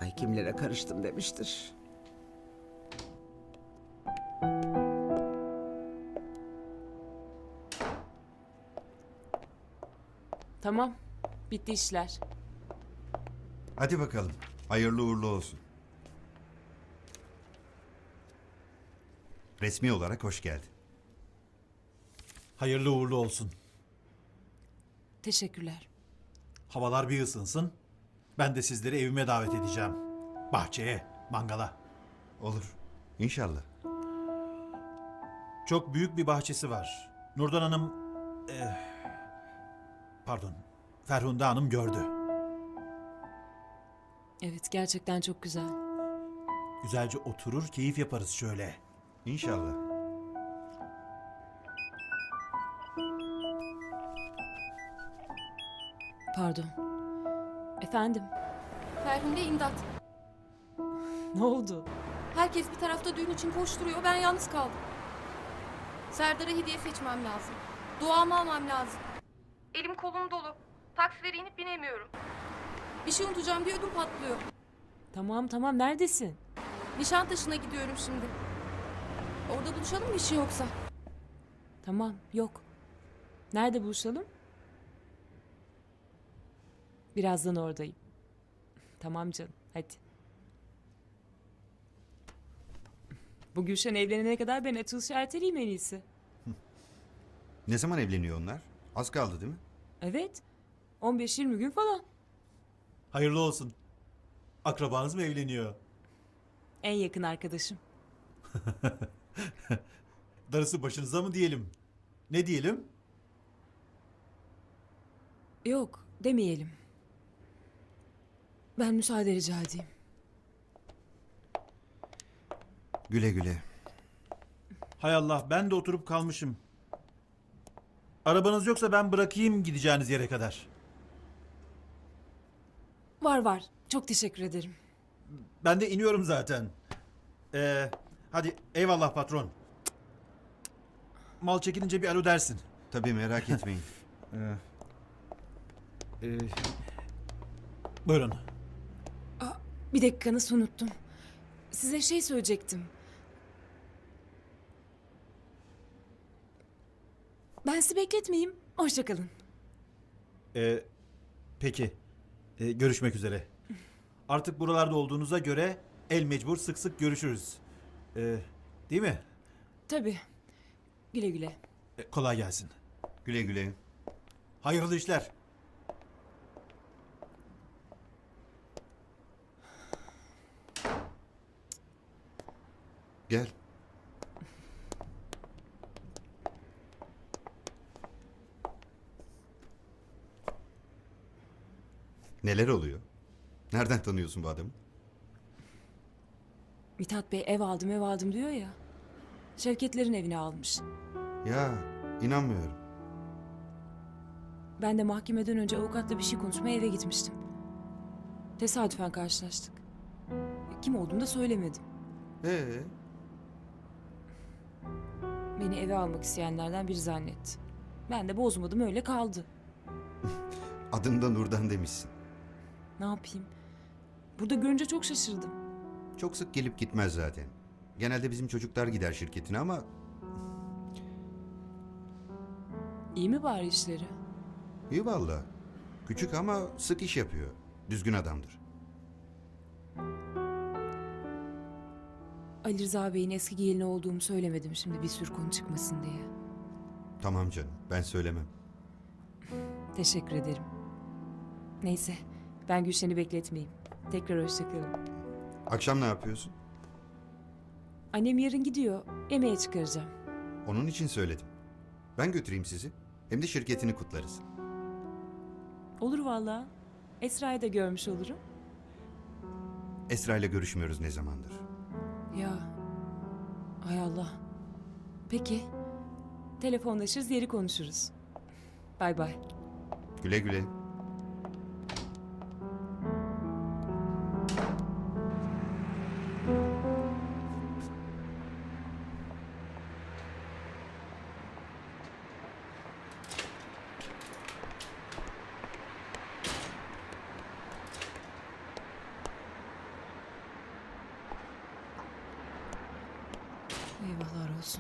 Ay kimlere karıştım demiştir. Tamam. Bitti işler. Hadi bakalım. Hayırlı uğurlu olsun. Resmi olarak hoş geldin. Hayırlı uğurlu olsun. Teşekkürler. Havalar bir ısınsın. Ben de sizleri evime davet edeceğim. Bahçeye, mangala. Olur. İnşallah. Çok büyük bir bahçesi var. Nurdan Hanım... Ferhunde Hanım gördü. Evet, gerçekten çok güzel. Güzelce oturur, keyif yaparız şöyle. İnşallah. Pardon. Efendim, Ferhunde imdat. ne oldu? Herkes bir tarafta düğün için koşturuyor. Ben yalnız kaldım. Serdar'a hediye seçmem lazım. Duamı almam lazım. Elim kolum dolu. Taksilere inip binemiyorum. Bir şey unutacağım diye ödüm patlıyor. Tamam, neredesin? Nişantaşı'na gidiyorum şimdi. Orada buluşalım mı bir şey yoksa? Tamam, yok. Nerede buluşalım? Birazdan oradayım. Tamam canım, hadi. Bu Gülşen evlenene kadar ben açılışı erteleyeyim en iyisi. Ne zaman evleniyor onlar? Az kaldı değil mi? Evet, 15-20 gün falan. Hayırlı olsun. Akrabanız mı evleniyor? En yakın arkadaşım. Darısı başınıza mı diyelim? Ne diyelim? Yok, demeyelim. Ben müsaade rica edeyim. Güle güle. Hay Allah, ben de oturup kalmışım. Arabanız yoksa ben bırakayım gideceğiniz yere kadar. Var. Çok teşekkür ederim. Ben de iniyorum zaten. Hadi eyvallah patron. Mal çekilince bir alo dersin. Tabii merak etmeyin. Buyurun. Bir dakika, nasıl unuttum. Size şey söyleyecektim. Ben sizi bekletmeyeyim. Hoşça kalın. Peki. Görüşmek üzere. Artık buralarda olduğunuza göre el mecbur sık sık görüşürüz. Değil mi? Tabii. Güle güle. Kolay gelsin. Güle güle. Hayırlı işler. Gel. Neler oluyor? Nereden tanıyorsun bu adamı? Mithat Bey ev aldım diyor ya. Şevketlerin evine almış. Ya inanmıyorum. Ben de mahkemeden önce avukatla bir şey konuşmaya eve gitmiştim. Tesadüfen karşılaştık. Kim olduğunu da söylemedim. Ee, Beni eve almak isteyenlerden biri zannetti. Ben de bozmadım, öyle kaldı. adını da Nurdan demişsin. Ne yapayım? Burada görünce çok şaşırdım. Çok sık gelip gitmez zaten. Genelde bizim çocuklar gider şirketine ama İyi mi bari işleri? iyi valla. Küçük ama sık iş yapıyor. Düzgün adamdır. Ali Rıza Bey'in eski gelini olduğumu söylemedim şimdi bir sürü konu çıkmasın diye. Tamam canım, ben söylemem. Teşekkür ederim. Neyse, ben Gülşen'i bekletmeyeyim. Tekrar hoşçakalın. Akşam ne yapıyorsun? Annem yarın gidiyor. Yemeğe çıkaracağım. Onun için söyledim. Ben götüreyim sizi. Hem de şirketini kutlarız. Olur vallahi. Esra'yı da görmüş olurum. Esra ile görüşmüyoruz ne zamandır. Ya. Hay Allah. Peki. Telefonlaşırız, yeri konuşuruz. Bay bay. Güle güle. Eyvahlar olsun.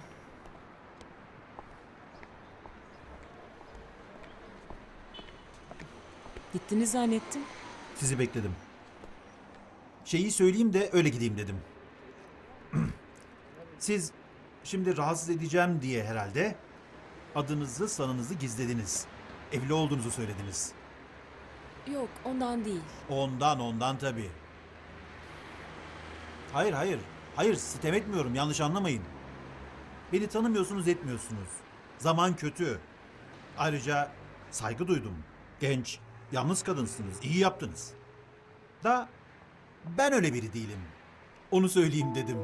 Gittiniz zannettim. Sizi bekledim. Şeyi söyleyeyim de öyle gideyim dedim. Siz şimdi rahatsız edeceğim diye herhalde adınızı sanınızı gizlediniz. Evli olduğunuzu söylediniz. Yok, ondan değil. Ondan tabii. Hayır. Hayır, sitem etmiyorum, yanlış anlamayın. Beni tanımıyorsunuz, etmiyorsunuz. Zaman kötü. Ayrıca saygı duydum. Genç, yalnız kadınsınız, iyi yaptınız. Da ben öyle biri değilim. Onu söyleyeyim dedim.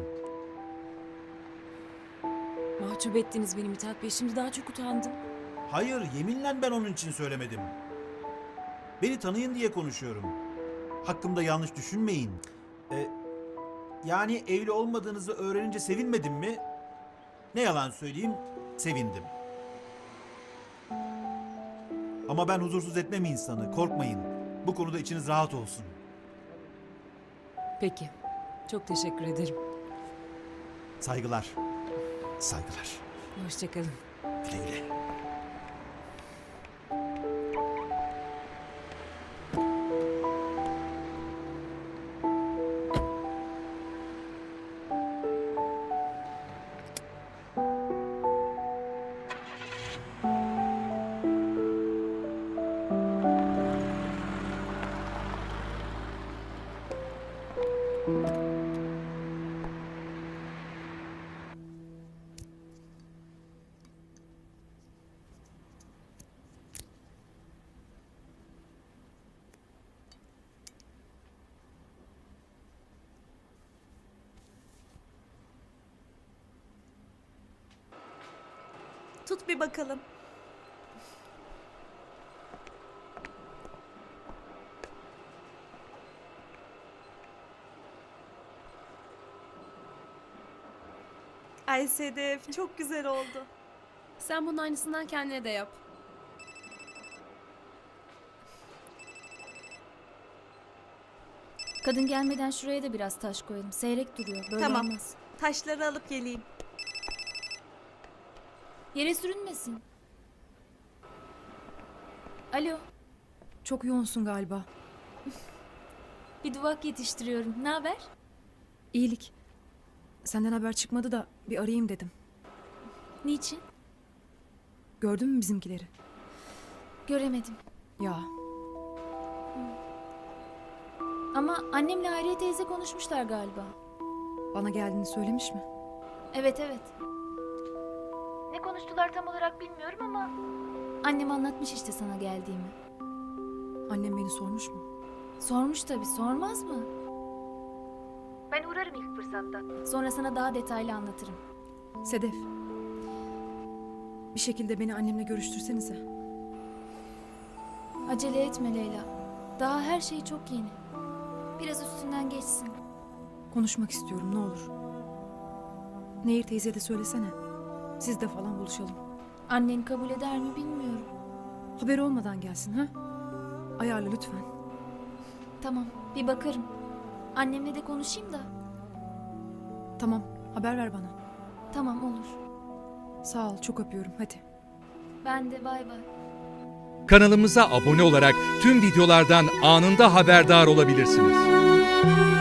Mahcup ettiniz beni Mithat Bey. Şimdi daha çok utandım. Hayır, yeminle ben onun için söylemedim. Beni tanıyın diye konuşuyorum. Hakkımda yanlış düşünmeyin. Yani evli olmadığınızı öğrenince sevinmedim mi? Ne yalan söyleyeyim, sevindim. Ama ben huzursuz etmem insanı, korkmayın. Bu konuda içiniz rahat olsun. Peki. Çok teşekkür ederim. Saygılar. Saygılar. Hoşçakalın. Güle güle. Tut bir bakalım. Ay Sedef, çok güzel oldu. Sen bunun aynısından kendine de yap. Kadın gelmeden şuraya da biraz taş koyalım. Seyrek duruyor. Böyle Tamam. olmaz. Taşları alıp geleyim. Yere sürünmesin. Alo. Çok yoğunsun galiba. Bir duvak yetiştiriyorum. Ne haber? İyilik. Senden haber çıkmadı da bir arayayım dedim. Niçin? Gördün mü bizimkileri? Göremedim. Ya Ama annemle Hayriye teyze konuşmuşlar galiba. bana geldiğini söylemiş mi? Evet. Ne konuştular tam olarak bilmiyorum ama... Annem anlatmış işte sana geldiğimi. Annem beni sormuş mu? Sormuş tabii, sormaz mı? Ben uğrarım ilk fırsatta. Sonra sana daha detaylı anlatırım. Sedef. Bir şekilde beni annemle görüştürsenize. Acele etme Leyla. Daha her şey çok yeni. Biraz üstünden geçsin. Konuşmak istiyorum ne olur. Nehir teyzeye de söylesene. Siz de falan buluşalım. Annen kabul eder mi bilmiyorum. Haberi olmadan gelsin ha? Ayarla lütfen. Tamam, bir bakarım. Annemle de konuşayım da. Tamam, haber ver bana. Tamam, olur. Sağ ol, çok öpüyorum. Hadi. Ben de bay bay. Kanalımıza abone olarak tüm videolardan anında haberdar olabilirsiniz.